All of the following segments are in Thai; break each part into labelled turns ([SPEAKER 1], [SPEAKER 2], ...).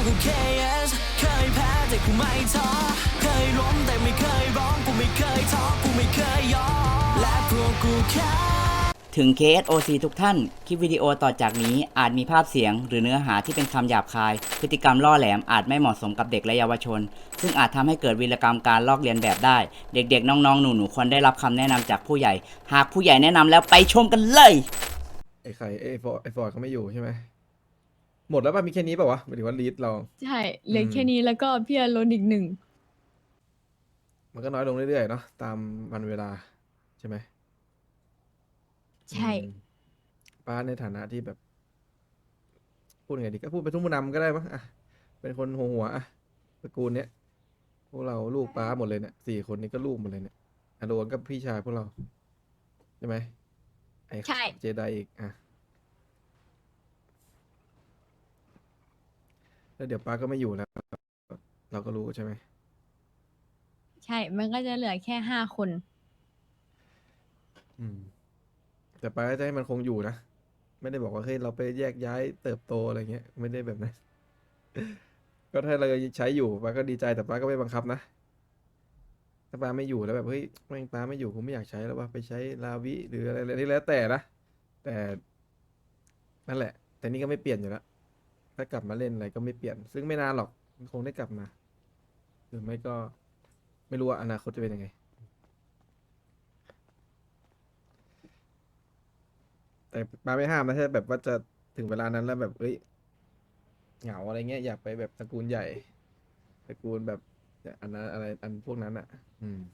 [SPEAKER 1] กู KS เคยแพ้แต่กูไม่ท้อเคยล้มแต่ไม่เคยร้องกูไม่เคยท้อกูไม่เคยยอมและพวกกูแค่
[SPEAKER 2] ถึง KSOC ทุกท่าน คลิปวิดีโอต่อจากนี้อาจมีภาพเสียงหรือเนื้อหาที่เป็นคำหยาบคาย พฤติกรรมล่อแหลมอาจไม่เหมาะสมกับเด็กและเยาวชน ซึ่งอาจทำให้เกิดวีรกรรมการลอกเลียนแบบได้ เด็กๆ น้องๆ หนูๆ ควรได้รับคำแนะนำจากผู้ใหญ่ หากผู้ใหญ่แนะนำแล้วไปชมกันเลย
[SPEAKER 3] ไอ้ไข่ไอ้ฟอร์ดเขาไม่อยู่ใช่ไหมหมดแล้วป่ะมีแค่นี้ป่ะวะหมายถึงว่าลีดเรา
[SPEAKER 4] ใช่เหลือแค่นี้แล้วก็พี่อารอนอีกหนึ่ง
[SPEAKER 3] มันก็น้อยลงเรื่อยๆเนาะตามวันเวลาใช่ไหม
[SPEAKER 4] ใช่
[SPEAKER 3] อืมป้าในฐานะที่แบบ พูดไงดีก็พูดไปนทุกผู้นำก็ได้มั้งอ่ะเป็นคนหัวอ่ะตระกูลเนี้ยพวกเราลูกป้าหมดเลยเนี่ย4 คนนี้ก็ลูกหมดเลยเนี่ยอโดนก็พี่ชายพวกเราใช่ไหมไอ้
[SPEAKER 4] ใช่
[SPEAKER 3] เจไดอีกอ่ะแล้วเดี๋ยวป้าก็ไม่อยู่แล้ว เราก็รู้ใช่ไหม
[SPEAKER 4] ใช่ มันก็จะเหลือแค่5 คน
[SPEAKER 3] อืมแต่ป้าก็จะให้มันคงอยู่นะไม่ได้บอกว่าเฮ้ยเราไปแยกย้ายเติบโตอะไรเงี้ยไม่ได้แบบนั้น ก็ถ้าเราใช้อยู่ป้าก็ดีใจแต่ป้าก็ไม่บังคับนะถ้าป้าไม่อยู่แล้วแบบเฮ้ยแม่งป้าไม่อยู่ผมไม่อยากใช้แล้วว่าไปใช้ลาวิหรืออะไรที่แล้วแต่นะแต่นั่นแหละ แต่นี่ก็ไม่เปลี่ยนอยู่แล้วถ้ากลับมาเล่นอะไรก็ไม่เปลี่ยน ซึ่งไม่นานหรอกคงได้กลับมาหรือไม่ก็ไม่รู้ว่าอนาคตจะเป็นยังไง แต่ป้าไม่ห้ามนะถ้าแบบว่าจะถึงเวลานั้นแล้วแบบเอ้ยเหงาอะไรเงี้ยอยากไปแบบตระกูลใหญ่ตระกูลแบบอันนั้นอะไรอันพวกนั้นอ่ะ อืม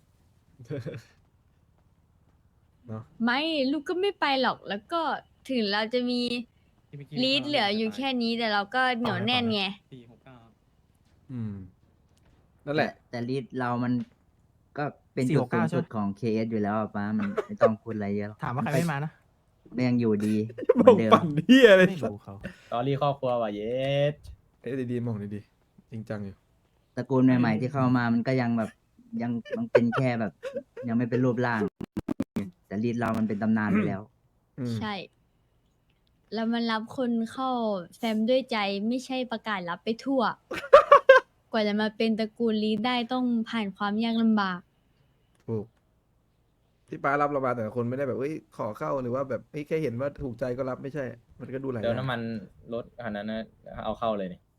[SPEAKER 3] เนาะ
[SPEAKER 4] ไม่ลูกก็ไม่ไปหรอก แล้วก็ถึงเราจะมีลีดเหลืออยู่แค่นี้แต่เราก็เหนียวแน่นไง
[SPEAKER 3] อืมนั่นแหละ
[SPEAKER 2] แต่ลีดเรามันก็เป็น
[SPEAKER 5] 469
[SPEAKER 2] จุดสูงสุด
[SPEAKER 5] ใช่ไหม
[SPEAKER 2] ของ KS อยู่แล้วอะป้ามันไม่ต้องพูดอะไรเยอะหรอก
[SPEAKER 5] ถามว่าใครไม่มานะ
[SPEAKER 2] มันยังอยู่ดีเห
[SPEAKER 3] ม
[SPEAKER 2] มือ
[SPEAKER 3] อน ง
[SPEAKER 2] เดิม
[SPEAKER 3] ปั่นเฮียเลย
[SPEAKER 5] ไม่รู้เขา
[SPEAKER 6] ตอรี่ครอบครัวว่ะเยส
[SPEAKER 3] เอ้ยดีๆมองดีๆจริงจังอยู่
[SPEAKER 2] ตระกูลใหม่ๆที่เข้ามามันก็ยังแบบยังเป็นแค่แบบ ยังไม่เป็นรูปร่าง แต่ลีดเรามันเป็นตำนานไปแล้ว
[SPEAKER 3] อืม
[SPEAKER 4] ใช่ แล้วมันรับคนเข้าแฟมด้วยใจไม่ใช่ประกาศรับไปทั่ว กว่าจะมาเป็นตระกูลลีดได้ต้องผ่านความยากลำบาก
[SPEAKER 3] ถูกที่ป้ารับเรามาแต่ละคนไม่ได้แบบเอ้ยขอเข้าหรือว่าแบบเฮ้ยแค่เห็นว่าถูกใจก็รับไม่ใช่ มันก็ดูหลายอ
[SPEAKER 6] เดี๋ยว
[SPEAKER 3] ย่าง
[SPEAKER 6] น้ำมันรถคันนั้นนะเอาเข้าเลยนี่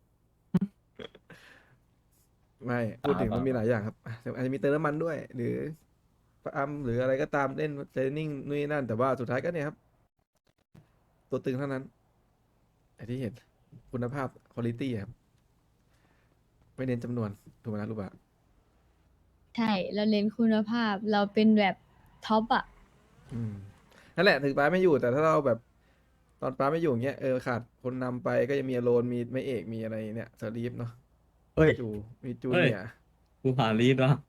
[SPEAKER 3] ไม่พูดถึง
[SPEAKER 6] เปล่า
[SPEAKER 3] มันมีหลายอย่างครับอาจจะมีเติมน้ำมันด้วย หรือปั๊มหรืออะไรก็ตามเล่นเทรนนิ่งนู่นนนั่นแต่ว่าสุดท้ายก็เนี่ยครับ ตัวตึงเท่านั้นไอ้ที่เห็นคุณภาพคุณภาพครับไม่เน้นจำนวนถูกไหมนะลูกบะ
[SPEAKER 4] ใช่ เราเน้นคุณภาพ เราเป็นแบบท็อปอ่ะ
[SPEAKER 3] อืมนั่นแหละถึงป้าไม่อยู่แต่ถ้าเราแบบ ตอนป้าไม่อยู่อย่างเงี้ยขาดคนนำไปก็จะมีอโลนมีไม่เอกมีอะไรเนี่ยสลีฟเนาะ
[SPEAKER 7] เฮ้ย
[SPEAKER 3] มีจู
[SPEAKER 7] เฮ้ย
[SPEAKER 3] เนี่ยร์
[SPEAKER 7] กูผ่านลีดวะ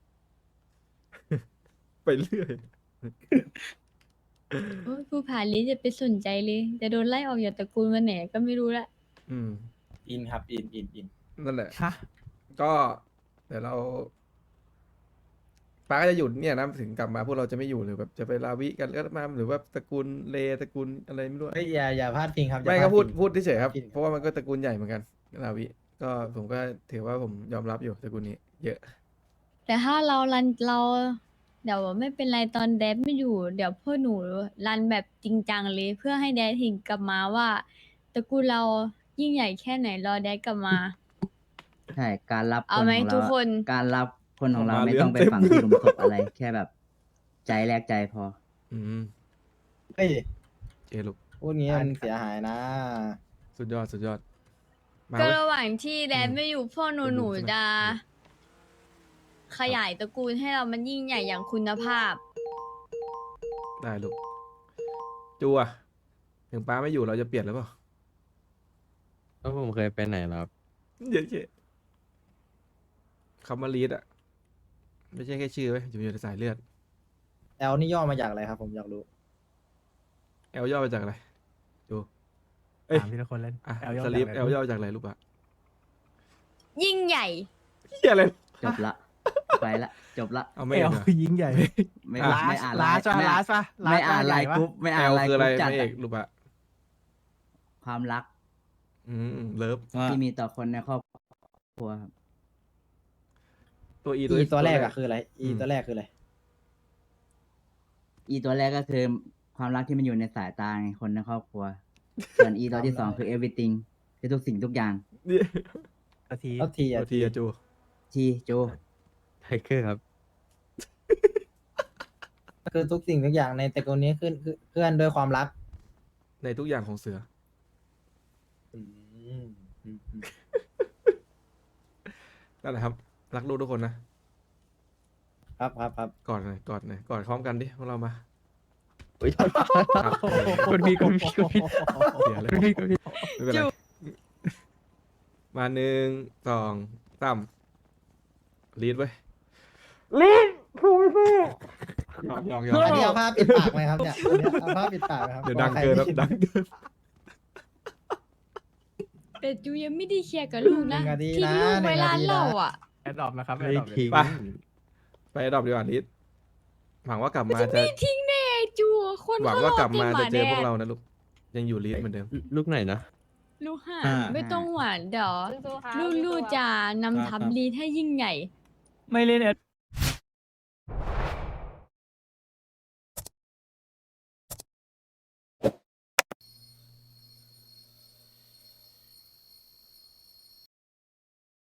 [SPEAKER 3] ไปเรื่อย
[SPEAKER 4] โอ้ยผู้ผ่านลีดจะไปสนใจเลย จะโดนไล่ออกจากตระกูลวันไหนก็ไม่รู้ละ
[SPEAKER 3] อืม
[SPEAKER 6] อินครับอิน
[SPEAKER 3] นั่นแหละ
[SPEAKER 5] ฮะ
[SPEAKER 3] ก็เดี๋ยวเราป้าก็จะหยุดเนี่ยนะถึงกลับมาพวกเราจะไม่อยู่หรือแบบจะไปลาวิกันก็มาหรือว่าตระกูลเลตระกูลอะไรไม่รู้
[SPEAKER 6] เฮ้ยอย่าพลาดพิงครับ
[SPEAKER 3] ไม่
[SPEAKER 6] อย่า
[SPEAKER 3] ก็
[SPEAKER 6] ลา
[SPEAKER 3] พูด
[SPEAKER 6] พิง
[SPEAKER 3] พูดเฉยๆครับ
[SPEAKER 6] จริง
[SPEAKER 3] เพราะว่ามันก็ตระกูลใหญ่เหมือนกันลาวิก็ผมก็ถือว่าผมยอมรับอยู่ตระกูลนี้ เยอะ
[SPEAKER 4] แต่ถ้าเรารันเรา เดี๋ยวไม่เป็นไรตอนแดดไม่อยู่ เดี๋ยวพวกหนูรันแบบจริงจังเลย เพื่อให้แดดเห็นกลับมาว่าตระกูลเรายิ่งใหญ่แค่ไหนรอแดดกลับมา
[SPEAKER 2] ใช่การรับ
[SPEAKER 4] เอา
[SPEAKER 2] คน
[SPEAKER 4] ไหม
[SPEAKER 2] ของเรา
[SPEAKER 4] ทุกคน
[SPEAKER 2] การรับคนของเรา
[SPEAKER 3] ออกมา
[SPEAKER 2] ไม่ต้องไป
[SPEAKER 3] เรื่องเต็ม
[SPEAKER 2] ฝังที่หลุมศพอะไร แค่แบบ ใจแลกใจพอ
[SPEAKER 3] อืม
[SPEAKER 6] เฮ้ย
[SPEAKER 3] เจลูก
[SPEAKER 6] พูดงี้มันเสียหายนะ
[SPEAKER 3] สุดยอดสุดยอดมา
[SPEAKER 4] ก็
[SPEAKER 3] เว้ย
[SPEAKER 4] ระหว่างที่แดด
[SPEAKER 3] อืม
[SPEAKER 4] ไม่อยู่พ่อหนู
[SPEAKER 3] เป็น
[SPEAKER 4] ห
[SPEAKER 3] บุ
[SPEAKER 4] นู
[SPEAKER 3] ญใช่ไหม
[SPEAKER 4] จะขยายตระกูลให้เรามันยิ่งใหญ่อย่างคุณภาพ
[SPEAKER 3] ได้ลูกจูอะถึงป้าไม่อยู่เราจะเปลี่ยนหรือเปล่า
[SPEAKER 7] ก็ผมเคยไปไหนแล้วครับ
[SPEAKER 3] เยอะๆคำว่าลีดอะไม่ใช่แค่ชื่อไว้ยอยู่ในสายเลือด
[SPEAKER 6] แอลนี่ย่อมาจากอะไรครับ ผมอยากรู้
[SPEAKER 3] เอลย่อมาจากอะไรดูเอ้ย
[SPEAKER 5] ถามทีละคนเล่น
[SPEAKER 3] อ่ะ
[SPEAKER 5] แอลย่อ
[SPEAKER 3] ส
[SPEAKER 5] มา
[SPEAKER 3] ลีฟ
[SPEAKER 5] จาก
[SPEAKER 3] เอ
[SPEAKER 5] อะไร
[SPEAKER 3] ลย่อมาจากอะไรลูกอะ
[SPEAKER 4] ยิ่งใหญ่
[SPEAKER 3] เฮียอะไร
[SPEAKER 2] จบละ ไปละ จบละ
[SPEAKER 3] เอาไม่
[SPEAKER 5] เอ
[SPEAKER 3] เอก
[SPEAKER 5] ล
[SPEAKER 3] เหรอ
[SPEAKER 5] คือยิ่งใหญ่
[SPEAKER 2] ไม่
[SPEAKER 3] อ่ะ
[SPEAKER 2] ไม่อ่าน
[SPEAKER 5] ลาส
[SPEAKER 2] ไม่
[SPEAKER 5] ลาสปะ
[SPEAKER 2] ไม่อ่าน
[SPEAKER 5] ลา
[SPEAKER 2] ไล
[SPEAKER 5] ส
[SPEAKER 2] น์
[SPEAKER 5] ใหญ่ปะ
[SPEAKER 2] กรุ๊ปไม่
[SPEAKER 3] เอ
[SPEAKER 2] อ่าน
[SPEAKER 3] ล
[SPEAKER 2] ไลน์
[SPEAKER 3] คือก อะไร
[SPEAKER 2] รุ๊ปจัด
[SPEAKER 3] ไม่เอก
[SPEAKER 2] อะ
[SPEAKER 3] ลูกอะ
[SPEAKER 2] ความรัก
[SPEAKER 3] เลิฟ
[SPEAKER 2] ที่มีต่อคนในครอบครัวครับ
[SPEAKER 3] ตัว E
[SPEAKER 6] อีตัวแรกอะ
[SPEAKER 3] F
[SPEAKER 6] คืออะไรอี
[SPEAKER 3] อืม
[SPEAKER 6] ตัวแรกคืออะไร
[SPEAKER 2] อีตัวแรกก็คือความรักที่มันอยู่ในสายตาไงคนในครอบครัว ส่วนอีตัวที่สองคือ everything คือทุกสิ่งทุกอย่าง
[SPEAKER 3] นี่
[SPEAKER 6] แล้วที
[SPEAKER 3] ตัว
[SPEAKER 6] อะ
[SPEAKER 3] ทีอะจู
[SPEAKER 2] ทีโจ
[SPEAKER 7] ไทเกอร์ครับ
[SPEAKER 6] คือทุกสิ่งทุกอย่างในตระกูลนี้คือเคลื่อนด้วยความรัก
[SPEAKER 3] ในทุกอย่างของเสือ นั่นแหละครับ รักลูกทุกคนนะครับ
[SPEAKER 6] ครับ
[SPEAKER 3] กอดหน่อยกอดหน่อยกอดพร้อมกันดิพวกเรามา
[SPEAKER 7] อุ้ย
[SPEAKER 3] ครับ
[SPEAKER 7] คุณพี่คุณพี่คุณพี่
[SPEAKER 3] เสียเลย
[SPEAKER 7] คุณพี่คุณพี่
[SPEAKER 3] ไม่เป็นไรมาหนึ่งสองสามลีดไว้ยลีดพูดไม่ยอง
[SPEAKER 6] อันนี้เอาผ้าปิดปากไหมครับเนี่ยอันนี้เอาผ้าปิดปากไหมครับ
[SPEAKER 3] เดี๋ยวดังเกินครับดังเกิน
[SPEAKER 4] แต่จูยังไม่ได้เคลียร์กับลูกนะ
[SPEAKER 6] หงาที
[SPEAKER 4] ที่
[SPEAKER 6] นะ
[SPEAKER 4] ลูก
[SPEAKER 6] ห
[SPEAKER 4] เว
[SPEAKER 6] นึ่ง
[SPEAKER 4] ลา
[SPEAKER 6] นาที
[SPEAKER 4] เล่า
[SPEAKER 6] นะ
[SPEAKER 4] อ่ะ
[SPEAKER 5] แอดดอปนะครับแอ
[SPEAKER 7] ไม่
[SPEAKER 5] ดดอป
[SPEAKER 7] ทิ้ง
[SPEAKER 3] ไปดอบดีกว่าลีดหวังว่ากลับมาจะ
[SPEAKER 4] ไม่ทิ้งแน่จูคน
[SPEAKER 3] หวัง
[SPEAKER 4] เขา
[SPEAKER 3] ว่าร กลับ
[SPEAKER 4] อ
[SPEAKER 3] มา
[SPEAKER 4] เต็มห
[SPEAKER 3] จะ
[SPEAKER 4] มา
[SPEAKER 3] เจ
[SPEAKER 4] แด
[SPEAKER 3] อพวก
[SPEAKER 4] ง
[SPEAKER 3] เรานะลูกยังอยู่ลีดเหมือนเดิม
[SPEAKER 7] ลูกไหนนะ
[SPEAKER 4] ลูกห่า
[SPEAKER 6] อ่า
[SPEAKER 4] ไม่ต้องหวานเดี๋ยวลูกๆจะนำทัพลีดให้ยิ่งใหญ่
[SPEAKER 5] ไม่เล่นแอด